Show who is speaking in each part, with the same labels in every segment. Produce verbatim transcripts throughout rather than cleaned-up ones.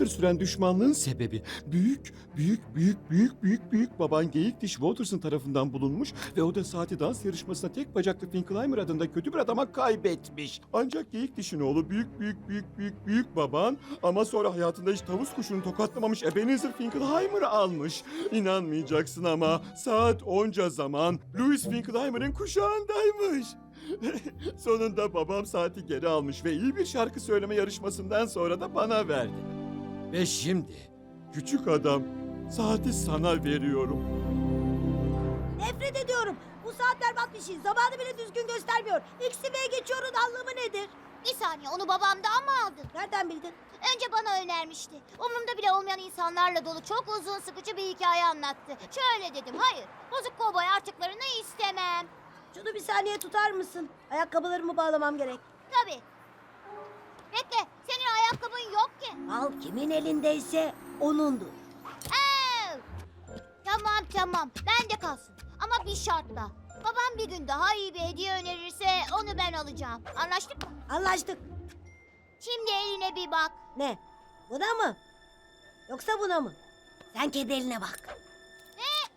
Speaker 1: yıllardır süren düşmanlığın sebebi büyük, büyük, büyük, büyük, büyük, büyük baban Geyik Diş Waters'ın tarafından bulunmuş ve o da saati dans yarışmasında tek bacaklı Finkelheimer adında kötü bir adama kaybetmiş. Ancak Geyik Diş'in oğlu büyük, büyük, büyük, büyük, büyük baban ama sonra hayatında hiç tavus kuşunu tokatlamamış Ebenezer Finkelheimer'ı almış. İnanmayacaksın ama saat onca zaman Louis Finkelheimer'ın kuşağındaymış. Sonunda babam saati geri almış ve iyi bir şarkı söyleme yarışmasından sonra da bana verdi. Ve şimdi küçük adam saati sana veriyorum.
Speaker 2: Nefret ediyorum. Bu saat berbat bir şey. Zamanı bile düzgün göstermiyor. Eksi B'ye geçiyorun anlamı nedir?
Speaker 3: Bir saniye, onu babamdan mı aldın?
Speaker 2: Nereden bildin?
Speaker 3: Önce bana önermişti. Umurumda bile olmayan insanlarla dolu çok uzun sıkıcı bir hikaye anlattı. Şöyle dedim, hayır, bozuk kovboy artıklarını istemem.
Speaker 2: Şunu bir saniye tutar mısın? Ayakkabılarımı bağlamam gerek.
Speaker 3: Tabii. Bekle, senin ayakkabın yok ki.
Speaker 2: Al kimin elindeyse onundur.
Speaker 3: Ev! Tamam tamam, bende kalsın. Ama bir şartla. Babam bir gün daha iyi bir hediye önerirse onu ben alacağım. Anlaştık mı?
Speaker 2: Anlaştık.
Speaker 3: Şimdi eline bir bak.
Speaker 2: Ne? Buna mı? Yoksa buna mı? Sen kendi eline bak.
Speaker 3: Ne?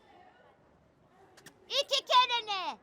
Speaker 3: İki kere ne?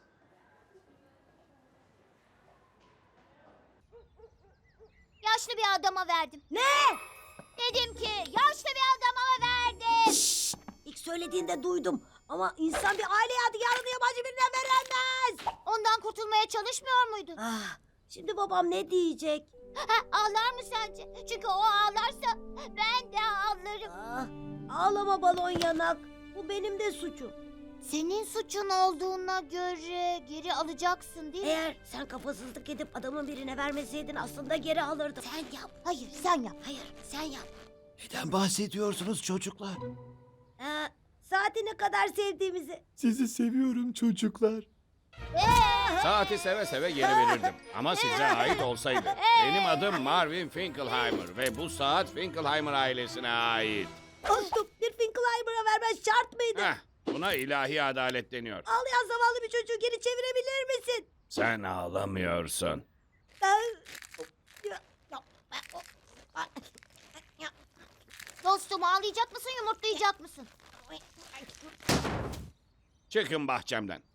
Speaker 3: Yaşlı bir adama verdim.
Speaker 2: Ne?
Speaker 3: Dedim ki yaşlı bir adama verdim.
Speaker 2: Şşş! İlk söylediğinde duydum. Ama insan bir aile yadigarını yabancı birine veremez.
Speaker 3: Ondan kurtulmaya çalışmıyor muydun?
Speaker 2: Ah, şimdi babam ne diyecek?
Speaker 3: Ha, ağlar mı sence? Çünkü o ağlarsa ben de ağlarım.
Speaker 2: Ah, ağlama balon yanak. Bu benim de suçum.
Speaker 3: Senin suçun olduğuna göre geri alacaksın değil mi?
Speaker 2: Eğer sen kafasızlık edip adamın birine vermeseydin aslında geri alırdım.
Speaker 3: Sen yap. Hayır sen yap.
Speaker 2: Hayır, sen yap.
Speaker 4: Neden bahsediyorsunuz çocuklar?
Speaker 2: Ee, saati ne kadar sevdiğimizi.
Speaker 1: Sizi seviyorum çocuklar.
Speaker 5: Saati seve seve geri verirdim. Ama size ait olsaydı. Benim adım Marvin Finkelheimer ve bu saat Finkelheimer ailesine ait.
Speaker 2: Dostum, bir Finkelheimer'a vermez şart mıydı?
Speaker 5: Heh, buna ilahi adalet deniyor.
Speaker 2: Ağlayan zavallı bir çocuğu geri çevirebilir misin?
Speaker 5: Sen ağlamıyorsun.
Speaker 3: Dostum ağlayacak mısın yumurtlayacak mısın?
Speaker 5: Çıkın bahçemden.